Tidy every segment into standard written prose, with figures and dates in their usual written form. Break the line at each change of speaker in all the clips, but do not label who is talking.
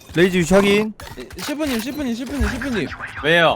레이즈 위치 확인.
셰프님.
왜요?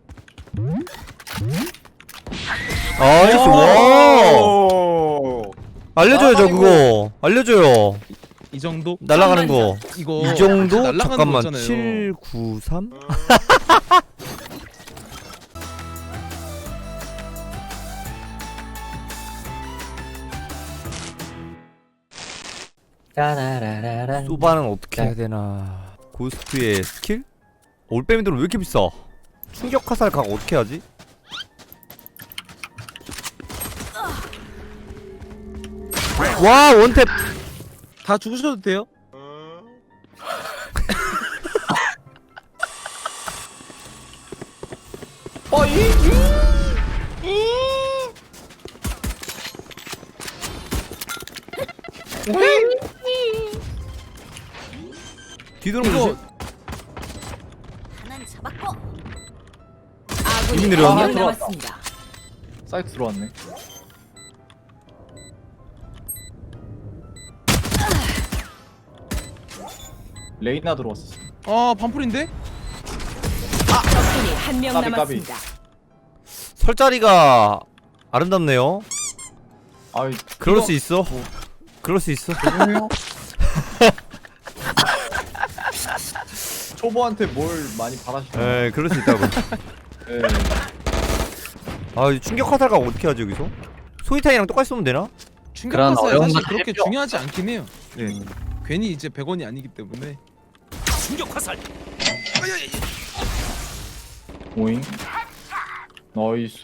나이스. 와.
오.
알려줘요 저 그거. 알려줘요.
이 정도?
날아가는 거.
이거
이 정도?
날아가는
잠깐만.
거잖아요.
793?
따라라라란.
소바는 어떻게 해야 되나? 고스트의 스킬? 올빼미들은 왜 이렇게 비싸? 충격 화살 각 어떻게 하지? 와 원탭.
다 죽으셔도 돼요?
뒤돌아보지.
이거
하나는 잡았고.
이미
아군이
내려왔네.
한명 남았습니다.
사이트 들어왔네. 레이나 들어왔어.
아 반풀인데?
적군이 한명
까비,
남았습니다.
설 자리가 아름답네요.
아이,
그럴
이거
수 있어. 그럴 수 있어.
죄송해요. 초보한테 뭘 많이 바라시나?
에 그럴 수 있다고.
예.
아 충격 화살각 어떻게 하지 여기서? 소이탄이랑 똑같이 쏘면 되나?
충격파사
어려운
사실
거
그렇게
해줘.
중요하지 않긴 해요. 네. 괜히 이제 100원이 아니기 때문에.
오잉. 나이스.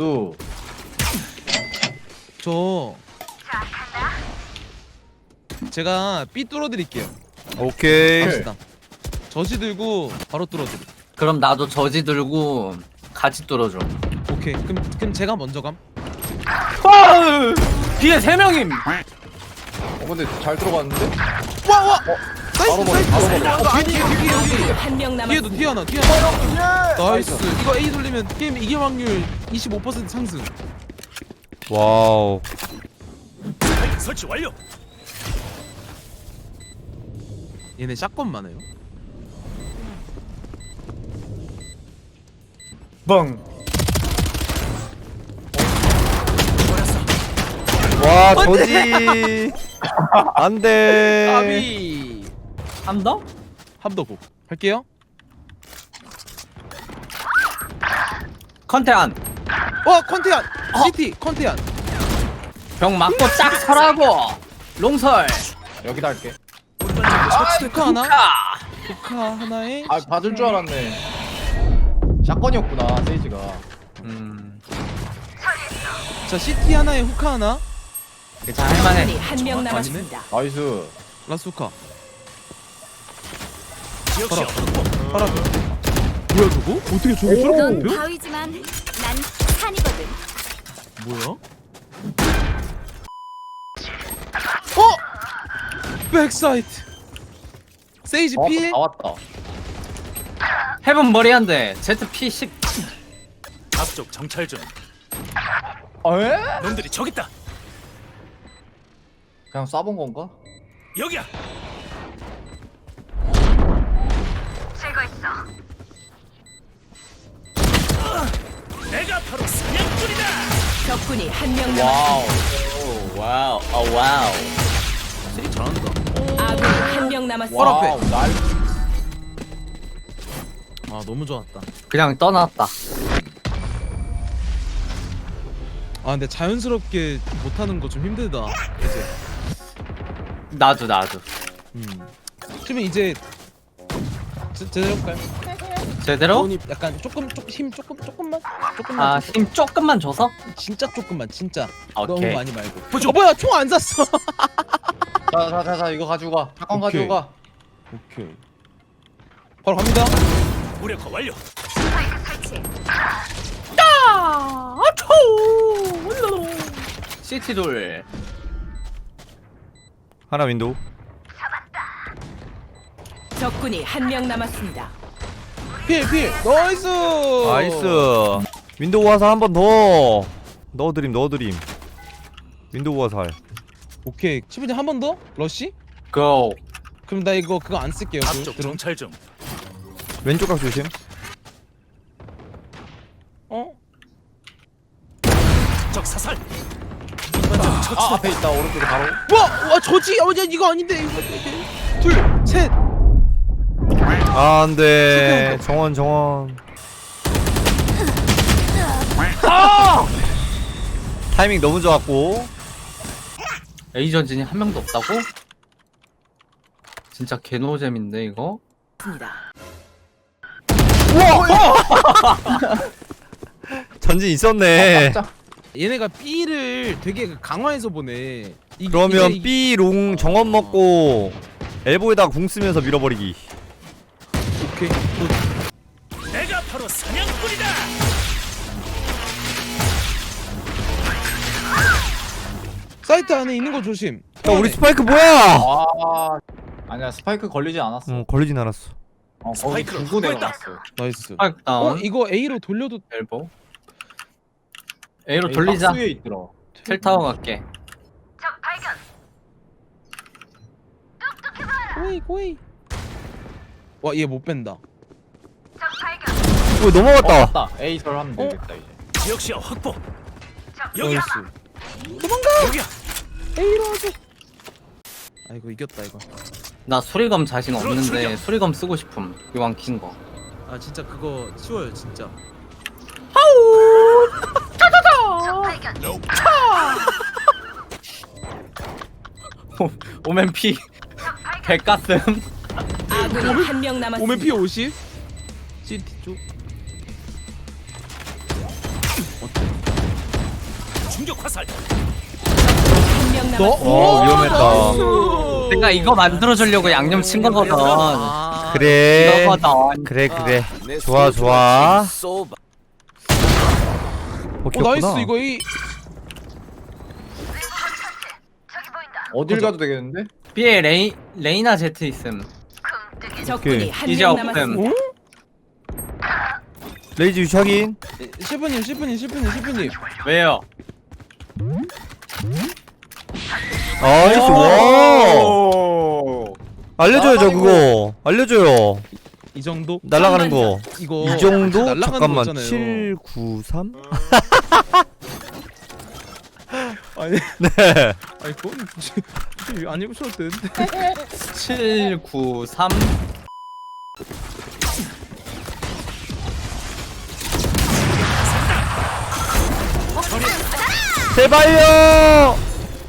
제가 B 뚫어드릴게요.
오케이.
갑시다. 저지 들고 바로 뚫어드려.
그럼 나도 저지 들고 같이 뚫어줘.
오케이. 그럼 제가 먼저 감.
뒤에 3명임.
근데 잘 들어갔는데?
와.
바로 머리, 바로 머리.
뒤에 여기.
한명
뒤에도
남았습니다.
뒤에 하나. 나이스. 이거 A 돌리면 게임 이길 확률 25% 상승.
와우.
설치 완료.
얘네 샷건 많아요.
뻥.
와 저지. 안돼.
까비.
한 더?
함더고 할게요.
컨테안.
컨테안. CT 컨테안.
병 맞고 딱 서라고. 롱설.
여기다 할게.
후카 하나.
아.
후카 하나에.
아, 받을 줄 알았네. 샷건이었구나, 세이지가.
자 CT 하나에 후카 하나.
괜찮아 할만해.
적군이 한명 남았습니다.
나이스.
라스 후카.
지역시
봐라.
확보.
바람. 뭐야 저거? 어떻게 저기 저렇게
넌
높여?
바위지만 난 산이거든.
뭐야? 백사이트. 세이지 피해?
다 왔다.
헤븐 머리 한 대. ZP10.
앞쪽 정찰 중.
에?
놈들이 저기 있다.
그냥 쏴본 건가?
여기야. 내가 바로 사냥꾼이다.
적군이 한명
와우.
남았습니다.
오, 와우. 아 와우.
세이 잘한다.
아군이 한명 남았습니다.
와우, 날.
아 너무 좋았다.
그냥 떠났다.
아 근데 자연스럽게 못하는 거 좀 힘들다. 이제.
나도.
그러면 이제 제대로 할까요?
제대로?
돈이 약간 힘 조금만
아, 힘 조금만 줘서?
진짜 조금만 진짜 너무
오케이.
많이 말고. 뭐야 총 안 샀어.
자, 이거 가지고 가. 샷건
오케이.
가지고 가.
오케이. 바로 갑니다.
무력화 완료.
CT 돌.
하나 윈도우.
적군이 한명 남았습니다.
필 나이스.
나이스. 윈도우 화살 한 번 더. 넣어드림. 윈도우 화살.
오케이. 10분에 한 번 더? 러쉬?
고.
그럼 나 이거 그거 안 쓸게요.
앞쪽
드론.
정찰 중.
왼쪽 각 조심.
어?
적 사살.
아 앞에 있다 오른쪽에 바로.
와 저지. 야 이거 아닌데 이거. 둘, 셋.
아 안돼. 정원. 타이밍 너무 좋았고.
A 전진이 한 명도 없다고? 진짜 개노잼인데 이거?
전진 있었네.
얘네가 B를 되게 강화해서 보네.
그러면
이게-
B 롱 정원 먹고 엘보에다가 궁 쓰면서 밀어버리기.
오케이.
내가 바로 사냥꾼이다.
사이트 안에 있는 거 조심.
야 우리 스파이크 뭐야?
아 아니야 스파이크 걸리지 않았어.
걸리진 않았어.
거기
스파이크를
두고
확보했다.
내려갔어.
나이스.
스파이크 다운.
이거 A로 돌려도
엘보. A로 돌리자.
박스 위에 있더라.
텔타워 갈게.
고이. 와 얘 못 뺀다.
넘어갔다.
맞다. A 설 하면 되겠다 이제.
지역 시야 확보. 여기야.
나이스.
여기야.
A로 하자. 아이고 이겼다 이거.
나 수리검 자신 없는데
출격.
수리검 쓰고 싶음. 이왕 킨 거.
아 진짜 그거 쉬워요 진짜.
오멘 피. 개가슴.
아군이 한 명 남았습니다.
오멘 P 50. CT 쪽.
충격 화살.
한 명 남았습니다.
위험했다.
내가 이거 만들어주려고 양념 친 거거든.
아.
그래.
이거거든.
그래. 좋아.
나이스 이거 이.
어딜 가도 되겠는데?
B에 레이나 제트 있음.
적군이 한
이제
명
없음.
남았습니다.
레이즈 위치 확인.
셰프님.
왜요?
나이스. 와. 알려줘야죠 그거. 알려줘요.
이 정도?
날아가는 거.
이거
이 정도?
날아가는
잠깐만.
거 있잖아요.
793?
아니
네.
아니 그건 안 입으셔도 되는데.
793.
제발요.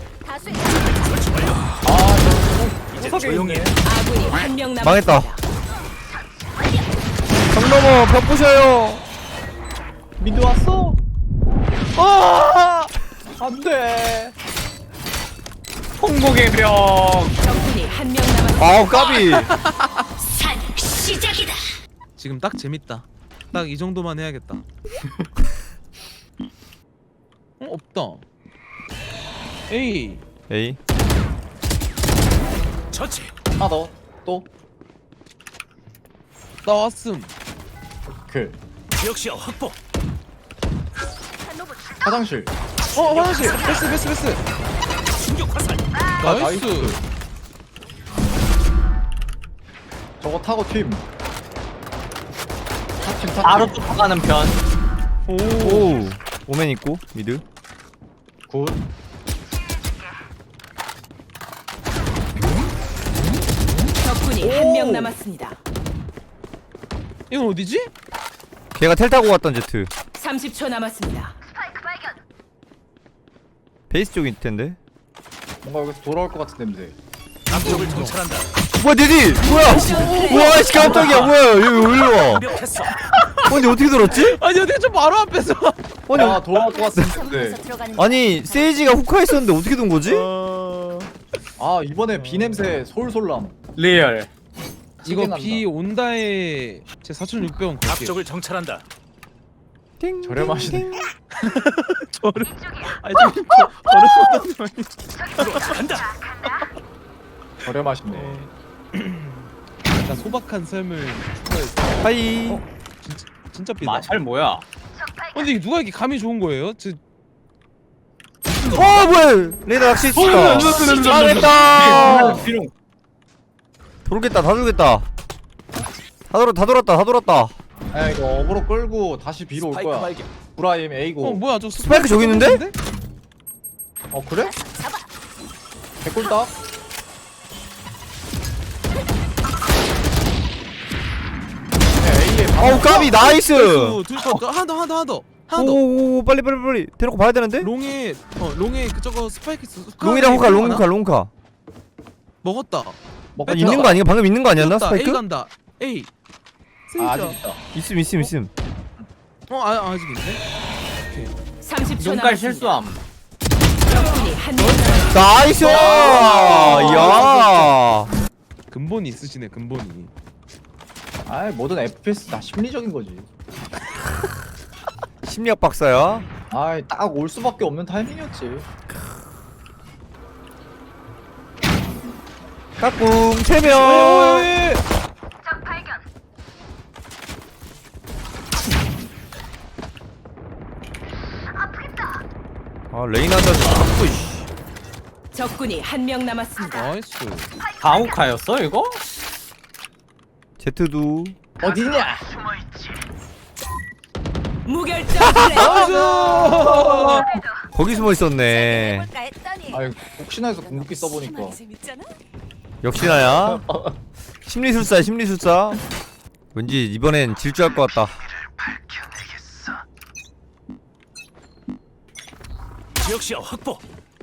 이제 조용히 해.
아군이 한 명
망했다.
남았습니다.
정 넘어 벽 부셔요.
미드 왔어. 아 안돼.
홍복의 병.
적군이 한 명 남았습니다.
아우 까비.
지금 딱 재밌다. 딱 이 정도만 해야겠다. 없다. 에이.
에이.
처치.
하나 더. 또.
나왔음.
그
지역 시야 확보.
화장실.
화장실. 베스.
충격 화살.
나이스.
저거 타고 팀. 타팀.
바로 쫓아가는 편.
오. 오멘 있고 미드.
굿.
적군이 한 명 남았습니다.
이건 어디지?
걔가 텔 타고 갔던 제트.
30초 남았습니다.
베이스 쪽일 텐데.
뭔가 여기서 돌아올 것 같은 냄새.
남쪽을 정찰한다.
뭐야 니디? 뭐야? 와 씨 깜짝이야. 뭐야? 여기 왜 일로 와?
완벽했어.
근데 어떻게 들었지?
아니 어디 좀 바로 앞에서.
아니
아 돌아올 것 같은데.
아니 세이지가 후카 있었는데 어떻게 된 거지?
아 이번에 비 냄새 솔솔남.
리얼.
이거
난다.
비 온다에 제 4,600원 걸게요.
앞쪽을 정찰한다.
띵,
저렴하시네.
띵, 띵.
저를 아니 저를
간다.
저렴하시네.
나 소박한 삶을 추구했어.
하이.
진짜 삐다.
마샬 뭐야?
근데 이게 누가 이렇게 감이 좋은 거예요?
뭐야? 레이더 낚시 있어. 망했다.
비룡.
돌겠다. 다 돌겠다. 다 돌았다.
야 이거 어그로 끌고 다시 B로 올
스파이크
거야.
발견.
브라임 A고.
뭐야 저
스파이크 저기 있는데?
어 그래? 개꿀다.
어우 까비 나이스.
둘거 하나 더.
오 빨리 대놓고 봐야 되는데?
롱에 그 저거 스파이크 있어.
롱이랑 호카.
먹었다.
먹고
있는 거 아닌가? 방금 있는 거 아니었나
떴다. A
스파이크?
간다. A.
아, 아직
세이자.
있다.
있음.
아직 있네.
30초
눈깔
남았습니다.
실수함.
적군이 한 명 남았습니다.
나이스. 야.
근본이 있으시네 근본이.
아이 모든 FPS 다 심리적인 거지.
심리학 박사야.
아이 딱 올 수밖에 없는 타이밍이었지.
까꿍 3명. 아 레이나한테 자꾸 이씨.
적군이 한 명 남았습니다.
나이스.
다우카였어 이거?
제트도
어디냐?
무결점 플레이.
거기 숨어 있었네.
아이 혹시나 해서 궁극기 써보니까.
역시나야. 심리술사. 왠지 이번엔 질주할 것 같다.
지역시야 확보.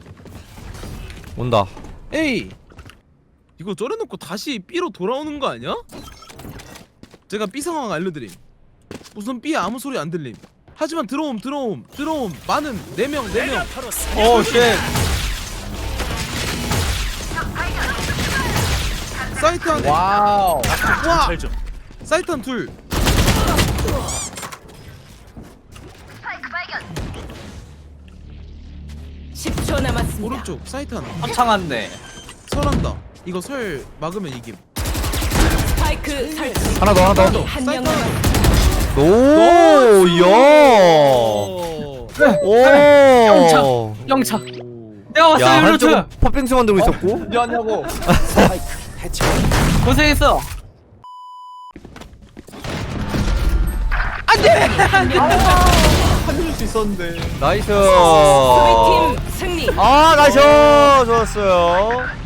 온다.
에이. 이거 쩔어놓고 다시 B로 돌아오는 거 아니야? 제가 B 상황 알려드림. 우선 B에 아무 소리 안 들림. 하지만 들어옴. 많은 4명.
바로
오 쉣.
사이트 안에.
와우.
와.
정찰 중.
사이트 한 둘.
초 남았습니다.
오른쪽 사이트 하나.
합창한데.
설한다. 이거 설 막으면 이김.
스파이크 설치.
하나 더.
한 명
사이트
남았습니다.
오, 야. 오.
영차.
오.
내가 왔어
야,
루트.
한쪽은 팥빙수 만들고 있었고.
미안하고.
고생했어.
살릴 수 있었는데.
나이스.
수비팀 승리.
아, 나이스. 좋았어요.